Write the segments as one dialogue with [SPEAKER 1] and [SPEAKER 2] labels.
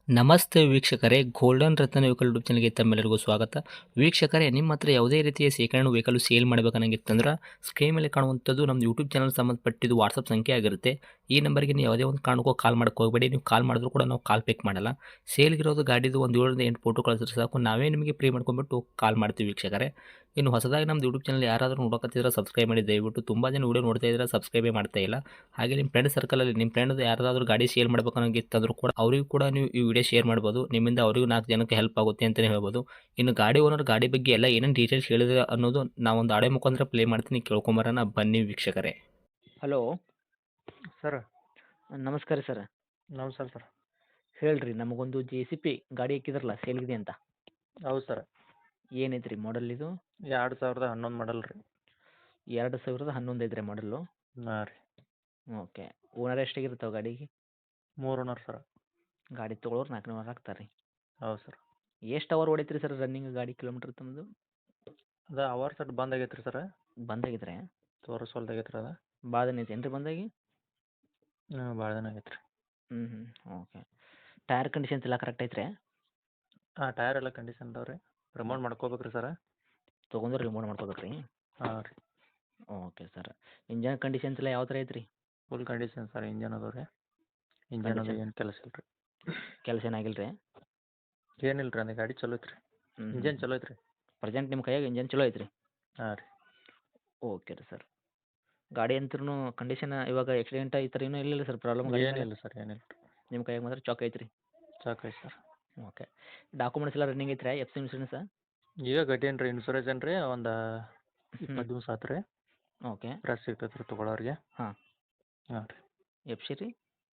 [SPEAKER 1] ನಮಸ್ತೆ ವೀಕ್ಷಕರೇ, ಗೋಲ್ಡನ್ ರತ್ನ vehicle YouTube ಚಾನಲ್‌ಗೆ ತಮ್ಮೆಲ್ಲರಿಗೂ ಸ್ವಾಗತ. ವೀಕ್ಷಕರೇ, ನಿಮ್ಮ ಹತ್ರ ಯಾವುದೇ ರೀತಿಯ ಶೇಖರಣೆ ವೆಹಿಕಲ್ ಸೇಲ್ ಮಾಡಬೇಕನ್ನಂಗಿತ್ತಂದ್ರೆ ಸ್ಕ್ರೀನ್ ಮೇಲೆ ಕಾಣುವಂಥದ್ದು ನಮ್ಮ ಯೂಟ್ಯೂಬ್ ಚಾನಲ್ ಸಂಬಂಧಪಟ್ಟಿದ್ದು ವಾಟ್ಸಪ್ ಸಂಖ್ಯೆ ಆಗಿರುತ್ತೆ. ಈ ನಂಬರ್‌ಗೆ ನೀವು ಯಾವುದೇ ಒಂದು ಕಾರಣಕ್ಕೂ ಕಾಲ್ ಮಾಡಕ್ಕೆ ಹೋಗಬೇಡಿ. ನೀವು ಕಾಲ್ ಮಾಡಿದ್ರು ಕೂಡ ನಾವು ಕಾಲ್ ಪಿಕ್ ಮಾಡಲ್ಲ. ಸೇಲ್ಗಿರೋದು ಗಾಡಿದು ಒಂದು 7ರಿಂದ 8 ಫೋಟೋ ಕಳಿಸಿದ್ರೆ ಸಾಕು, ನಾವೇ ನಿಮಗೆ ಪ್ರೀ ಮಾಡ್ಕೊಂಡ್ಬಿಟ್ಟು ಕಾಲ್ ಮಾಡ್ತೀವಿ ವೀಕ್ಷಕರೇ. ಇನ್ನು ಹೊಸದಾಗಿ ನಮ್ಮದು ಯೂಟ್ಯೂಬ್ ಚಾನಲ್ ಯಾರಾದರೂ ನೋಡಕತ್ತಿದ್ರೆ ಸಬ್ಸ್ಕ್ರೈಬ್ ಮಾಡಿ ದಯವಿಟ್ಟು. ತುಂಬ ಜನ ವಿಡಿಯೋ ನೋಡ್ತಾ ಇದ್ದಾರೆ, ಸಬ್ಸ್ಕ್ರೈಬೇ ಮಾಡ್ತಾ ಇಲ್ಲ. ಹಾಗೆ ನಿಮ್ಮ ಫ್ರೆಂಡ್ ಸರ್ಕಲಲ್ಲಿ ನಿಮ್ಮ ಫ್ರೆಂಡ್ ಯಾರಾದರೂ ಗಾಡಿ ಸೇಲ್ ಮಾಡ್ಬೇಕನ್ನಂಗಿತ್ತಂದ್ರೂ ಕೂಡ ಅವರಿಗೂ ಕೂಡ ನೀವು ಈ ವಿಡಿಯೋ ಶೇರ್ ಮಾಡ್ಬೋದು. ನಿಮ್ಮಿಂದ ಅವರಿಗೂ 4 ಜನಕ್ಕೆ ಹೆಲ್ಪ್ ಆಗುತ್ತೆ ಅಂತಲೇ ಹೇಳ್ಬೋದು. ಇನ್ನು ಗಾಡಿ ಓನರ್ ಗಾಡಿ ಬಗ್ಗೆ ಎಲ್ಲ ಏನೇನು ಡೀಟೇಲ್ಸ್ ಹೇಳಿದ್ರೆ ಅನ್ನೋದು ನಾವೊಂದು ಆಡಿಯೋ ಮುಖಾಂತರ ಪ್ಲೇ ಮಾಡ್ತೀನಿ, ಕೇಳ್ಕೊಂಬರೋಣ ಬನ್ನಿ ವೀಕ್ಷಕರೇ. ಹಲೋ,
[SPEAKER 2] ಸರ್
[SPEAKER 1] ನಮಸ್ಕಾರ ಸರ್.
[SPEAKER 2] ನಮಸ್ಕಾರ ಸರ್.
[SPEAKER 1] ಹೇಳ್ರಿ, ನಮಗೊಂದು JCP ಗಾಡಿ ಹಾಕಿದ್ರಲ್ಲ ಸೇಲ್ಗಿದೆ ಅಂತ.
[SPEAKER 2] ಹೌದು ಸರ್.
[SPEAKER 1] ಏನೈತ್ರಿ ಮಾಡಲ್ ಇದು?
[SPEAKER 2] 2011 ಮಾಡಲ್ ರೀ.
[SPEAKER 1] 2011 ಐತ್ರಿ ಮಾಡಲ್ಲು.
[SPEAKER 2] ಹಾಂ ರೀ.
[SPEAKER 1] ಓಕೆ. ಓನರ್ ಎಷ್ಟಾಗಿರ್ತಾವೆ ಗಾಡಿಗೆ?
[SPEAKER 2] 3 ಓನರ್ ಸರ್.
[SPEAKER 1] ಗಾಡಿ ತೊಗೊಳೋರು 4 ಓನರ್ ಆಗ್ತಾರೆ ರೀ.
[SPEAKER 2] ಹೌದು ಸರ್.
[SPEAKER 1] ಎಷ್ಟು ಅವರ್ ಹೊಡೈತ್ರಿ ಸರ್ ರನ್ನಿಂಗ್ ಗಾಡಿ ಕಿಲೋಮೀಟ್ರ್ ತಮ್ಮದು?
[SPEAKER 2] ಅದು ಅವರ್ ಸಟ್ ಬಂದ್ ಆಗೈತೆ ರೀ ಸರ್.
[SPEAKER 1] ಬಂದಾಗಿದ್ರೆ
[SPEAKER 2] ತೋರಿಸ್ವಲ್ದಾಗೈತೆ ರೀ ಅದು.
[SPEAKER 1] ಭಾಳ ದಿನ ಐತೇನು ರೀ ಬಂದಾಗಿ?
[SPEAKER 2] ಭಾಳ ದಿನ ಆಗೈತೆ ರೀ.
[SPEAKER 1] ಓಕೆ. ಟೈರ್ ಕಂಡೀಷನ್ಸ್ ಎಲ್ಲ ಕರೆಕ್ಟ್ ಐತ್ರಿ?
[SPEAKER 2] ಹಾಂ, ಟೈರ್ ಎಲ್ಲ ಕಂಡೀಷನ್ ಅದಾವೆ ರೀ. ರಿಮೋಟ್ ಮಾಡ್ಕೋಬೇಕು ರೀ ಸರ್.
[SPEAKER 1] ತೊಗೊಂಡ್ರೆ ರಿಮೂವ್ ಮಾಡ್ಕೋಬೇಕು ರೀ?
[SPEAKER 2] ಹಾಂ ರೀ.
[SPEAKER 1] Okay sir. ಇಂಜನ್ ಕಂಡೀಷನ್ಸ್ ಎಲ್ಲ ಯಾವ ಥರ ಐತ್ರಿ?
[SPEAKER 2] Full condition sir. ಇಂಜನ್ ಅದಾವೆ ರೀ. ಇಂಜನ್ ಅದು ಏನು ಕೆಲಸ ಇಲ್ಲ ರೀ.
[SPEAKER 1] ಕೆಲಸ ಏನಾಗಿಲ್ಲ ರೀ?
[SPEAKER 2] ಏನಿಲ್ಲ ರೀ, ಅಂದ್ರೆ ಗಾಡಿ ಚಲೋ ಐತೆ ರೀ. ಇಂಜನ್ ಚಲೋ ಐತೆ ರೀ.
[SPEAKER 1] ಪ್ರೆಸೆಂಟ್ ನಿಮ್ಮ ಕೈಯಾಗ ಇಂಜನ್ ಚಲೋ ಐತ್ರಿ?
[SPEAKER 2] ಹಾಂ ರೀ.
[SPEAKER 1] ಓಕೆ ರೀ ಸರ್. ಗಾಡಿ ಅಂತೂ ಕಂಡೀಷನ್ ಇವಾಗ ಆಕ್ಸಿಡೆಂಟ್ ಈ ಥರ ಏನೂ ಇಲ್ಲ ಸರ್ ಪ್ರಾಬ್ಲಮ್?
[SPEAKER 2] ಏನಿಲ್ಲ ಸರ್, ಏನಿಲ್ಲ ರೀ.
[SPEAKER 1] ನಿಮ್ಮ ಕೈಯಾಗ ಮಾತ್ರ ಚಾಕ್ ಐತ್ರಿ?
[SPEAKER 2] ಚಾಕ್ ಐತೆ ಸರ್.
[SPEAKER 1] ಓಕೆ. ಡಾಕ್ಯುಮೆಂಟ್ಸ್ ಎಲ್ಲ ರನ್ನಿಂಗ್ ಐತ್ರಿ? FC insurance?
[SPEAKER 2] ಈಗ ಗಟ್ಟಿಯನ್ ರೀ, ಇನ್ಸೂರೆನ್ಸ್ ಏನು ರೀ ಒಂದು 20 ದಿವಸ ಆತು ರೀ.
[SPEAKER 1] ಓಕೆ.
[SPEAKER 2] ಫ್ರೆಶ್ ಸಿಗ್ತೈತೆ ರೀ ತೊಗೊಳೋರಿಗೆ.
[SPEAKER 1] ಹಾಂ.
[SPEAKER 2] ಹಾಂ ರೀ.
[SPEAKER 1] FC ರೀ?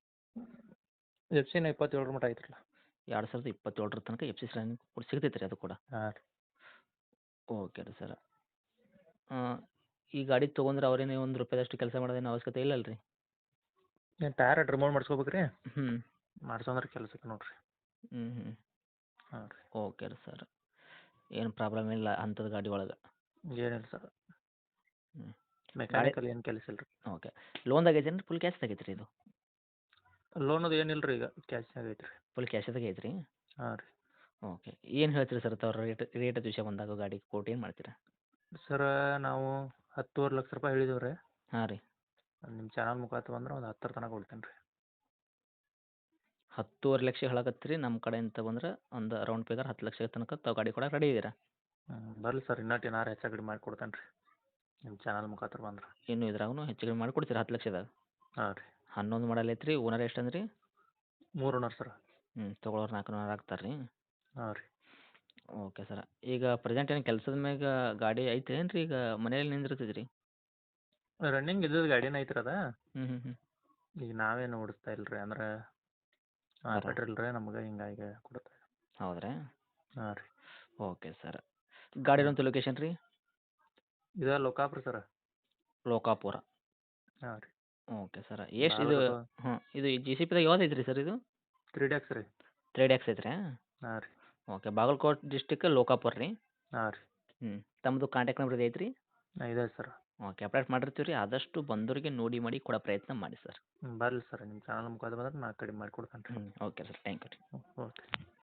[SPEAKER 2] FC 27 ಮಟ್ಟ ಐತ್ರಲ್ಲ.
[SPEAKER 1] 2027 ತನಕ FC ರನ್ನಿಂಗ್ ಕೂಡ ಸಿಗ್ತೈತೆ ರೀ ಅದು ಕೂಡ?
[SPEAKER 2] ಹಾಂ ರೀ.
[SPEAKER 1] ಓಕೆ ರೀ ಸರ್. ಈ ಗಾಡಿ ತೊಗೊಂಡ್ರೆ ಅವ್ರೇನೇ ₹1 ಕೆಲಸ ಮಾಡೋದೇನು ಅವಶ್ಯಕತೆ ಇಲ್ಲಲ್ಲ ರೀ?
[SPEAKER 2] ಏನು ಟೈರ್ ರಿಮೂವ್ ಮಾಡಿಸ್ಕೋಬೇಕು ರೀ.
[SPEAKER 1] ಹ್ಞೂ.
[SPEAKER 2] ಮಾಡ್ಸೋಂದ್ರೆ ಕೆಲಸಕ್ಕೆ ನೋಡಿರಿ.
[SPEAKER 1] ಹ್ಞೂ.
[SPEAKER 2] ಹಾಂ ರೀ.
[SPEAKER 1] ಓಕೆ ರೀ ಸರ್. ಏನು ಪ್ರಾಬ್ಲಮ್ ಇಲ್ಲ ಅಂಥದ್ದು ಗಾಡಿ ಒಳಗೆ?
[SPEAKER 2] ಏನಿಲ್ಲ ಸರ್.
[SPEAKER 1] ಹ್ಞೂ.
[SPEAKER 2] ಮೆಕ್ಯಾನಿಕಲ್ ಏನು ಕೆಲಸ ಇಲ್ಲ ರೀ.
[SPEAKER 1] ಓಕೆ. ಲೋನ್ದಾಗ ಐತೇನು ರೀ? ಫುಲ್ ಕ್ಯಾಶ್ದಾಗ ಐತ್ರಿ ಇದು?
[SPEAKER 2] ಲೋನದು ಏನಿಲ್ಲ ರೀ, ಈಗ ಕ್ಯಾಶ್ನಾಗ ಐತೆ ರೀ.
[SPEAKER 1] ಫುಲ್ ಕ್ಯಾಶ್ದಾಗ ಐತ್ರಿ?
[SPEAKER 2] ಹಾಂ ರೀ.
[SPEAKER 1] ಓಕೆ. ಏನು ಹೇಳ್ತೀರಿ ಸರ್ ತಾವು ರೇಟ್ ವಿಷಯ ಬಂದಾಗ ಗಾಡಿ ಕೋಟ್ ಏನು ಮಾಡ್ತೀರಾ?
[SPEAKER 2] ಸರ್, ನಾವು 10.5 ಲಕ್ಷ ರೂಪಾಯಿ ಹೇಳಿದೇವೆ ರೀ.
[SPEAKER 1] ಹಾಂ ರೀ.
[SPEAKER 2] ನಿಮ್ಮ ಚಾನಲ್ ಮುಖಾಂತರ ಬಂದ್ರೆ ಒಂದು 10 ತನಕ ಕೊಡ್ತೇನೆ ರೀ.
[SPEAKER 1] 10.5 ಲಕ್ಷ ಹೇಳಕತ್ತೀರಿ. ನಮ್ಮ ಕಡೆಯಿಂದ ಬಂದ್ರೆ ಒಂದು ಅರೌಂಡ್ ಫಿಗರ್ 10 ಲಕ್ಷ ತನಕ ತಾವು ಗಾಡಿ ಕೊಡಕ್ಕೆ ರೆಡಿ ಇದ್ದೀರಾ?
[SPEAKER 2] ಬರಲಿ ಸರ್, ಇನ್ನಟ್ಟು ಏನಾರು ಹೆಚ್ಚು ಕಡಿಮೆ ಮಾಡಿ ಕೊಡ್ತೇನೆ ರೀ ನಿಮ್ಮ ಚಾನಲ್ ಮುಖಾಂತರ ಬಂದ್ರೆ.
[SPEAKER 1] ಇನ್ನು ಇದ್ರಾಗೂ ಹೆಚ್ಚು ಕಡಿಮೆ ಮಾಡಿ ಕೊಡ್ತೀರಾ 10 ಲಕ್ಷದಾಗ?
[SPEAKER 2] ಹಾಂ ರೀ.
[SPEAKER 1] 11 ಮಾಡಲ್ ಐತ್ರಿ. ಓನರ್ ಎಷ್ಟು ಅಂದ್ರಿ?
[SPEAKER 2] 3 ಓನರ್ ಸರ್.
[SPEAKER 1] ತೊಗೊಳೋರು 4 ಓನರ್ ಆಗ್ತಾರೆ ರೀ?
[SPEAKER 2] ಹಾಂ ರೀ.
[SPEAKER 1] Okay sir. ಈಗ ಪ್ರೆಸೆಂಟ್ ಏನು ಕೆಲಸದ ಮ್ಯಾಗ ಗಾಡಿ ಐತೇನು ರೀ? ಈಗ ಮನೇಲಿ ನಿಂದಿರ್ತೈತೆ ರೀ?
[SPEAKER 2] ರನ್ನಿಂಗ್ ಇದ್ದದ್ದು ಗಾಡಿನೇ ಐತ್ರಿ ಅದ.
[SPEAKER 1] ಹ್ಞೂ.
[SPEAKER 2] ಈಗ ನಾವೇನು ಓಡಿಸ್ತಾ ಇಲ್ಲ ರೀ, ಅಂದ್ರೆ ಪೆಟ್ರೋಲ್ ರೀ ನಮ್ಗೆ, ಹಿಂಗಾಗಿ ಕೊಡುತ್ತೆ.
[SPEAKER 1] ಹೌದ್ರಾ?
[SPEAKER 2] ಹಾಂ ರೀ.
[SPEAKER 1] Okay sir. ಗಾಡಿರೋಂಥ ಲೊಕೇಶನ್ ರೀ?
[SPEAKER 2] ಇದು ಲೋಕಾಪುರ ಸರ್.
[SPEAKER 1] ಲೋಕಾಪುರ.
[SPEAKER 2] ಹಾಂ ರೀ.
[SPEAKER 1] Okay sir. ಎಷ್ಟು ಇದು? ಇದು JCPದಾಗ ಯಾವ್ದು ಐತ್ರಿ ಸರ್ ಇದು?
[SPEAKER 2] 3 ರೀ.
[SPEAKER 1] 3 ಐತ್ರಿ?
[SPEAKER 2] ಹಾಂ ರೀ.
[SPEAKER 1] ಓಕೆ. ಬಾಗಲಕೋಟೆ ಡಿಸ್ಟಿಕ್ ಲೋಕಾಪುರ ರೀ?
[SPEAKER 2] ಹಾಂ ರೀ.
[SPEAKER 1] ತಮ್ಮದು ಕಾಂಟ್ಯಾಕ್ಟ್ ನಂಬರ್ ಐತ್ರಿ?
[SPEAKER 2] ಇದೆ ಸರ್.
[SPEAKER 1] ಓಕೆ. ಅಪ್ಡೇಟ್ ಮಾಡಿರ್ತೀವಿ ರೀ. ಆದಷ್ಟು ಬಂದವರಿಗೆ ನೋಡಿ ಮಾಡಿ ಕೊಡೋ ಪ್ರಯತ್ನ ಮಾಡಿ ಸರ್.
[SPEAKER 2] ಬರಲಿ ಸರ್, ನಿಮ್ಮ ಚಾನಲ್ ಮುಖಾಂತರ ಬಂದ್ರೆ ನಾನು ಕಡಿಮೆ ಮಾಡಿ ಕೊಡ್ತೇನೆ ರೀ.
[SPEAKER 1] Okay sir. ಥ್ಯಾಂಕ್ ಯು ರೀ.
[SPEAKER 2] ಓಕೆ.